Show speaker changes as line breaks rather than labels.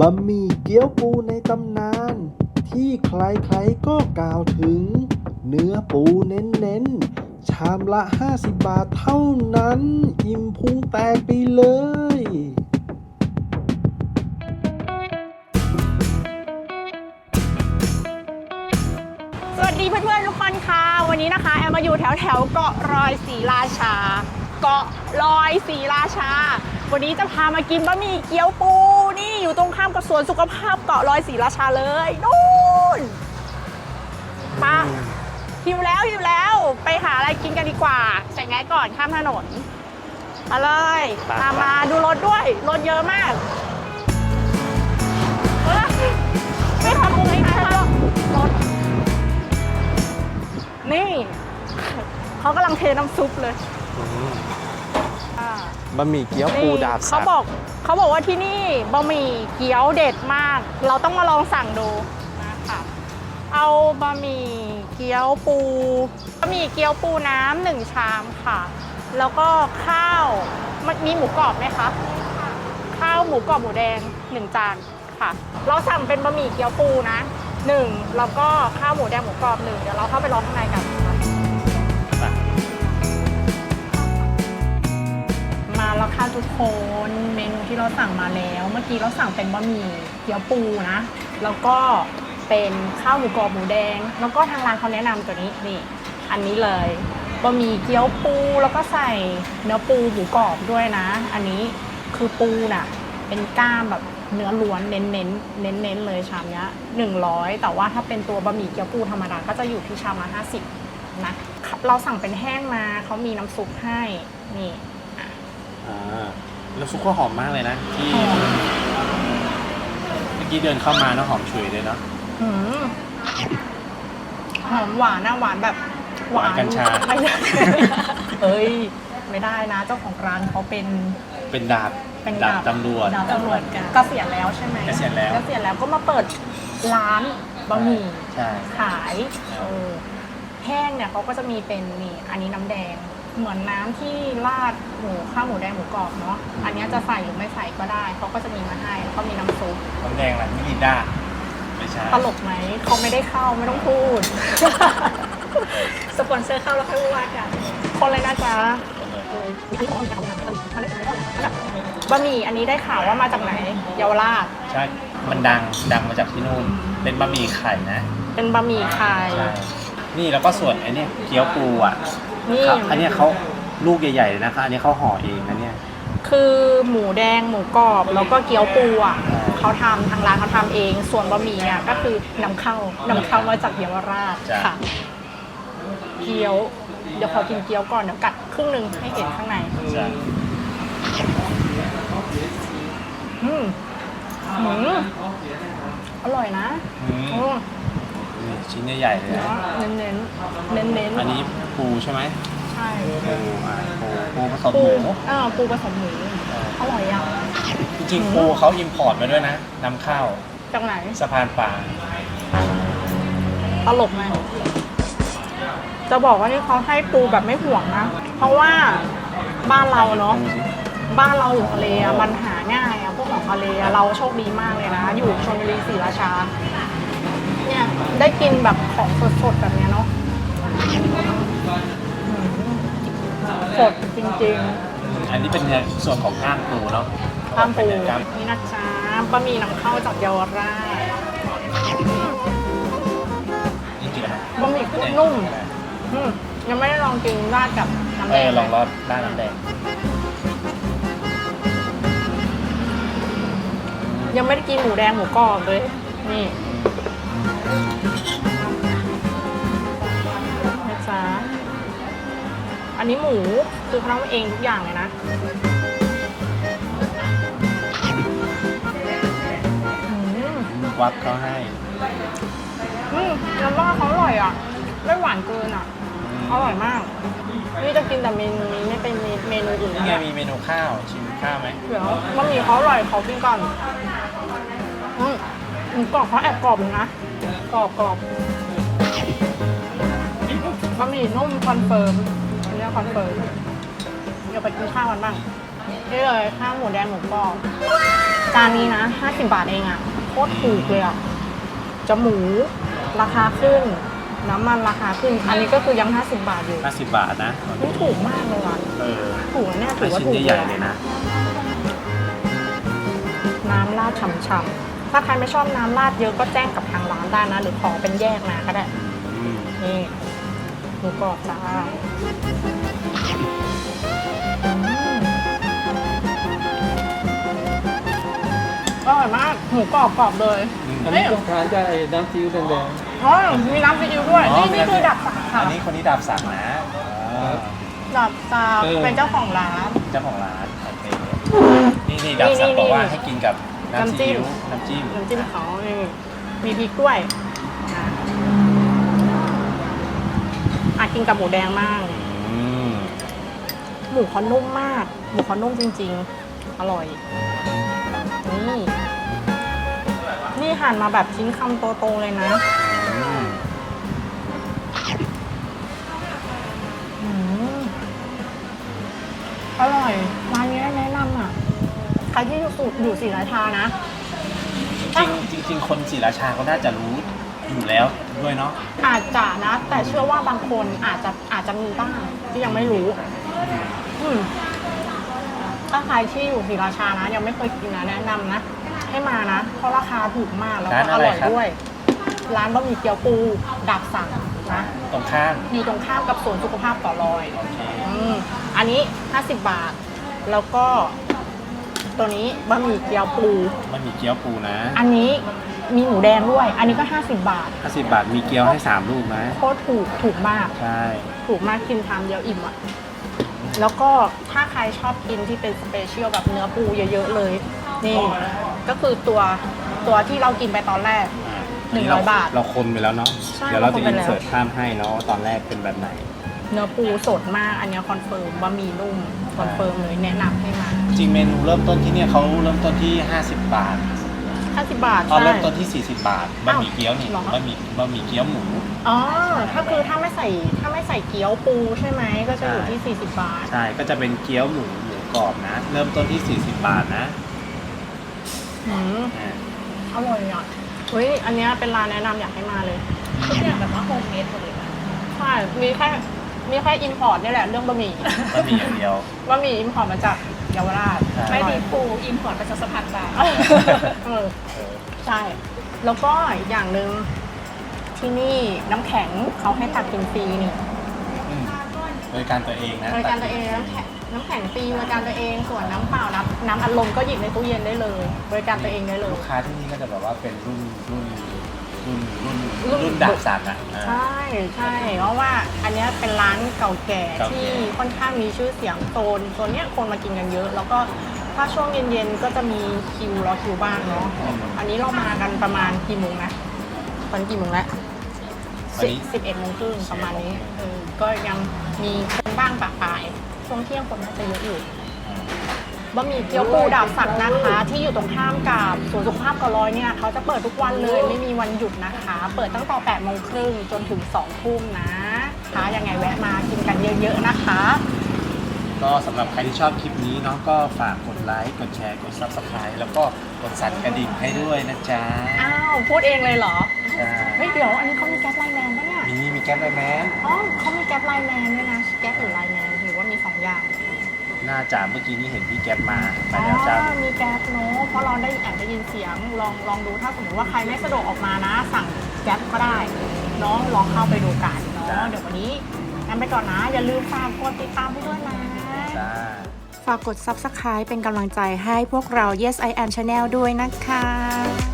บะหมี่เกี๊ยวปูในตำนานที่ใครๆก็กล่าวถึงเนื้อปูเน้นๆชามละ 50 บาทเท่านั้นอิ่มพุงแตกไปเลย
สวัสดีเพื่อนๆทุกคนค่ะวันนี้นะคะแอมมาอยู่แถวเกาะรอยศรีราชาเกาะรอยศรีราชาวันนี้จะพามากินบะหมี่เกี๊ยวปูนี่อยู่ตรงข้ามกับสวนสุขภาพเกาะรอยศรีราชาเลยนู่นมาหิวแล้วไปหาอะไรกินกันดีกว่าใส่แง่ก่อนข้ามถนนมาเลยตามมาดูรถด้วยรถเยอะมากไม่ทำอะไรนะรถนี่เขากำลังเทน้ำซุปเลย
บะหมี่เกี๊ยวปูดาบสัก
เขาบอกว่าที่นี่บะหมี่เกี๊ยวเด็ดมากเราต้องมาลองสั่งดูนะคะเอาบะหมี่เกี๊ยวปูบะหมี่เกี๊ยวปูน้ำ1 ชามค่ะแล้วก็ข้าวมีหมูกรอบไหมคะข้าวหมูกรอบหมูแดง1 จานค่ะเราสั่งเป็นบะหมี่เกี๊ยวปูนะ1แล้วก็ข้าวหมูแดงหมูกรอบ1เดี๋ยวเราเข้าไปรอข้างในกันมาแล้วค่ะทุกคนเมนูที่เราสั่งมาแล้วเมื่อกี้เราสั่งเป็นบะหมี่เกี๊ยวปูนะแล้วก็เป็นข้าวหมูกรอบหมูแดงแล้วก็ทางร้านเขาแนะนำตัวนี้นี่อันนี้เลยบะหมี่เกี๊ยวปูแล้วก็ใส่เนื้อปูหมูกรอบด้วยนะอันนี้คือปูน่ะเป็นก้ามแบบเนื้อล้วนเน้นเลยชามนี้100แต่ว่าถ้าเป็นตัวบะหมี่เกี๊ยวปูธรรมดาก็จะอยู่ที่ชามละ50นะเราสั่งเป็นแห้งมาเขามีน้ำซุปให้นี่
แล้วซุปก็หอมมากเลยนะที่เมื่อกี้เดินเข้ามานะหอมฉุยเลยเนาะ
หอมหวานนะหวานแบบ
หวานกัญชา
เอ้ยไม่ได้นะเจ้าของร้านเขาเป็นดาบตำรวจเกษียณแล้วใช่ไหม
เกษียณ
แล้วก็มาเปิดร้านบะหมี่ขายแห้งเนี่ยเขาก็จะมีเป็นนี่อันนี้น้ำแดงเหมือนน้ำที่ราดข้าวหมูแดงหมูกรอบเนาะอันนี้จะใส่หรือไม่ใส่ก็ได้เขาก็จะมีมาให้แล้วก็มีน้ำซุป
น้ำแดงอะไรมิรินดาไม่ใช่
ตลกไหมเขาไม่ได้เข้าไม่ต้องพูดสปอนเซอร์เข้าแล้วค่อยว่ากันคนเลยนะจ๊ะบะหมี่อันนี้ได้ข่าวว่ามาจากไหนเยาวราช
ใช่มันดังมาจากที่นู่นเป็นบะหมี่ไข่นะ
เป็นบะหมี่ไข่
นี่แล้วก็ส่วนไอ้นี่เกี๊ยวปูอ่ะนี่อันนี้เขาลูกใหญ่ๆเลยนะคะอันนี้เขาห่อเองนะเนี่ย
คือหมูแดงหมูกรอบแล้วก็เกี๊ยวปูอ่ะเขาทำทางร้านเขาทำเองส่วนบะหมี่เนี่ยก็คือนำเข้ามาจากเยาวราชค่ะเกี๊ยวเดี๋ยวขอกินเกี๊ยวก่อนเดี๋ยวกัดครึ่งนึงให้เห็นข้างในอร่อยนะ
ชิ้นใหญ่ๆเลย
เน้น
อันนี้ปูใช่ไหม
ใช่
ปูผสมหมู
ปูผสมหมูอร่อยอ่ะ
จริงๆปูเขาอิมพอร์ตมาด้วยนะนำเข้า
จากไหน
สะพานปลา
ตลกไหมจะบอกว่านี่เขาให้ปูแบบไม่ห่วงนะเพราะว่าบ้านเราเนาะบ้านเราอยู่ทะเลมันหาง่ายพวกของทะเลเราโชคดีมากเลยนะอยู่ชลบุรีศรีราชาเนี่ยได้กินแบบของสดๆแบบนี้เนาะสดจริง
ๆอันนี้เป็นส่วนของก้างปูเนาะ
ก้างปูนี่นะจ๊ะบะหมี่นำเข้าจากเยาวราชบะหมี่กุ้งนุ่มยังไม่ได้ลองกินราดกับน้ำแดง
ลองราดน้ำแดง
ยังไม่ได้กินหมูแดงหมูกรอบเลยนี่นะจ๊ะอันนี้หมูคือเขาทำเองทุกอย่างเลยนะ
วัดเขาให้
แล้วว่าเขาอร่อยอ่ะไม่หวานเกินอ่ะอร่อยมากนี่จะกินแต่เมนูนี้ไม่เป็นเมนูอื่น
นี่ไงมีเมนูข้าวชิมข้าวไหม
เดี๋ยวบะหมี่เขาอร่อยเขากินก่อนหมูกรอบเขาแอบกรอบเลยนะกรอบบะหมี่นุ่มคอนเฟิร์มอันนี้คอนเฟิร์มเดี๋ยวไปกินข้าวกันบ้างนี่เลยข้าวหมูแดงหมูกรอบจานนี้นะ50 บาทเองอะโคตรถูกเลยอะจะหมูราคาขึ้น น้ำมันราคาขึ้น อันนี้ก็คือยัง50 บาทอยู่
50 บาทนะ
ไม่ถูกมากเลยอ่ะ
เออ
ถูกนะเนี่ยถือว่า
ชิ้น
ถูก
ใหญ่ๆเลยนะ
น้ำราดฉ่ำๆถ้าใครไม่ชอบน้ำราดเยอะก็แจ้งกับทางร้านได้นะ หรือขอเป็นแยกมาก็ได้
อืม
นี่หมูกรอบจ้าอร่อยมากหมูกรอบเลย
อันนี้ต้องทานกับไอ้น้ำซีอิ๊วแดง
อ๋อมีน้ำซีอิ๊วด้วย นี่คือดับสักค่ะ
อันนี้คนนี้ดาบสั่งนะอ่า
ดับสักเป็นเจ้าของร้าน
เจ้าของร้านโอเคนี่ดาบสั่งบอกว่าให้กินกับน้ำซีอิ๊วน้ำจิ้ม
น้ำจิ้มเขานี่มีพริกด้วยนะกินกับหมูแดงมาก
อืม
หมูเขานุ่มมาก หมูเขานุ่มจริงๆ อร่อย นี่หั่นมาแบบชิ้นคำโตๆเลยนะ อร่อย ร้านนี้แนะนำอ่ะ ใครที่อยู่ศรีราชานะ
จริงๆคนศรีราชาเขาน่าจะรู้อยู่แล้วด้วยเนาะ
อาจจะนะ แต่เชื่อว่าบางคนอาจจะมีบ้างที่ยังไม่รู้ถ้าใครที่อยู่ศรีราชานะ ยังไม่เคยกินนะแนะนำนะ ให้มานะ เพราะราคาถูกมากแล้วก็อร่อยด้วย ร้านบะหมี่เกี๊ยวปูดับสั่งนะ
ตรงข้าม
อยู่ตรงข้ามกับสวนสุขภาพต่อรอย
โอเค
อันนี้50 บาท แล้วก็ตัวนี้บะหมี่เกี๊ยวปู
มันมีเกี๊ยวปูนะ
อันนี้มีหมูแดงด้วย อันนี้ก็50 บาท
50 บาทมีเกี๊ยวให้3ลูกนะ
โคตรถูกมาก
ใช่
ถูกมากกินทานเดียวอิ่มอ่ะ แล้วก็ถ้าใครชอบกินที่เป็นสเปเชียลแบบเนื้อปูเยอะๆเลย นี่ ก็คือตัวที่เรากินไปตอนแรก 100 บาท
เราคนไปแล้วเนาะ
ใช่
เดี๋ยวเราจะ
เราคนไป
อิน
แล้ว
เสิร์ตภาพให้เนาะว่าตอนแรกเป็นแบบไหน
เนื้อปูสดมาก อันนี้คอนเฟิร์มบะหมี่นุ่มคอนเฟิร์มเลยแนะนำให้มา
จริงเมนูเริ่มต้นที่เนี่ยเขาเริ่มต้นที่ 50 บาท
50 บาท
ตอน
ใช่
เริ่มต้นที่ 40 บาทบะหมี่เกี๊ยวนี่
เหรอ
บะหมี่เกี๊ยวหมู
อ๋อ ถ้าไม่ใส่เกี๊ยวปูใช่ไหมก็จะอยู่ที่ 40 บาท
ใช่ ก็จะเป็นเกี๊ยวหมูกรอบนะ เริ่มต้นที่ 40 บาทนะ
อืม
อ่า
อร่อยอ่ะเฮ้ย อันเนี้ยเป็นร้านแนะนำอยากให้มาเลย
ทุกอย่างแบบว่าโฮมเมดหมดเลยนะ
ใช่ มีแค่อินพอร์ตนี่แหละเรื่องบะหมี่
บะหมี่อย่างเดียว
บะหมี่อินพอร์ตมาจากเยาวราช
ใช่
ไม่
อร่
มี
อย
ปูอิมพอร์ตประชาสัมพันธ์บาท
เออใช่ แล้วก็อีกอย่างหนึ่งที่นี่น้ำแข็งเขาให้ตักกินฟรีนี่
อืมบริการตัวเองนะ
บริการตัวเองน้ำแข็งฟรีบริการตัวเองส่วนน้ำเปล่าน้ำอัดลมก็หยิบในตู้เย็นได้เลย บริการตัวเองได้เลย
ลูกค้าที่นี่ก็จะแบบว่าเป็นรุ่นดาบสั่งอ่ะอ่า
ใช่ใช่เพราะว่าอันเนี้ยเป็นร้านเก่าแก่
เก่าแก่
ที่ค่อนข้างมีชื่อเสียงโซนเนี้ยคนมากินกันเยอะ แล้วก็ถ้าช่วงเย็นๆก็จะมีรอคิวบ้างเนาะอันนี้เรามากันประมาณกี่โมงนะตอนนกี่โมงแล้ว
วันนี้
11:30ประมาณนี้ก็ยังมีคนบ้างปะปายช่วงเที่ยงคนน่าจะเยอะอยู่บะหมี่เกี๊ยวปูดาบสักนะคะ ที่อยู่ตรงข้ามกับสวนสุขภาพกอร้อยเนี่ยเขาจะเปิดทุกวันเลยไม่มีวันหยุดนะคะ เปิดตั้งแต่8:30จนถึง2 ทุ่มนะคะยังไงแวะมากินกันเยอะๆนะคะ
ก็สำหรับใครที่ชอบคลิปนี้เนาะก็ฝากกดไลค์กดแชร์กด Subscribe แล้วก็กดสั่นกระดิ่งให้ด้วยนะจ๊ะ
อ้าวพูดเองเลยเหรอ
ใช่
เฮ้ยเดี๋ยวอันนี้เขามีแก๊ปไลน์แมนปะเนี่ย
มีแก๊ปไลน์แมน
อ๋อเขามีแก๊ปไลน์แมนด้วยนะแก๊ปหรือไลน์แมนหรือว่ามี2 อย่าง
น่าจะเมื่อกี้นี้เห็นพี่แก๊ปมา
อ๋
แล้วจ้า
อมีแก๊ปเนอะเพราะเราได้แอบได้ยินเสียงลองดูถ้าสมมติว่าใครไม่สะดวกออกมานะ สั่งแก๊ปก็ได้เนาะลองเข้าไปดูกันเนาะเดี๋ยววันนี้งั้นไปก่อนนะ อย่าลืมฝากกดติดตามให้ด้วยนะ
จ้า
ฝากกด Subscribe เป็นกำลังใจให้พวกเรา Yes I Am Channel ด้วยนะคะ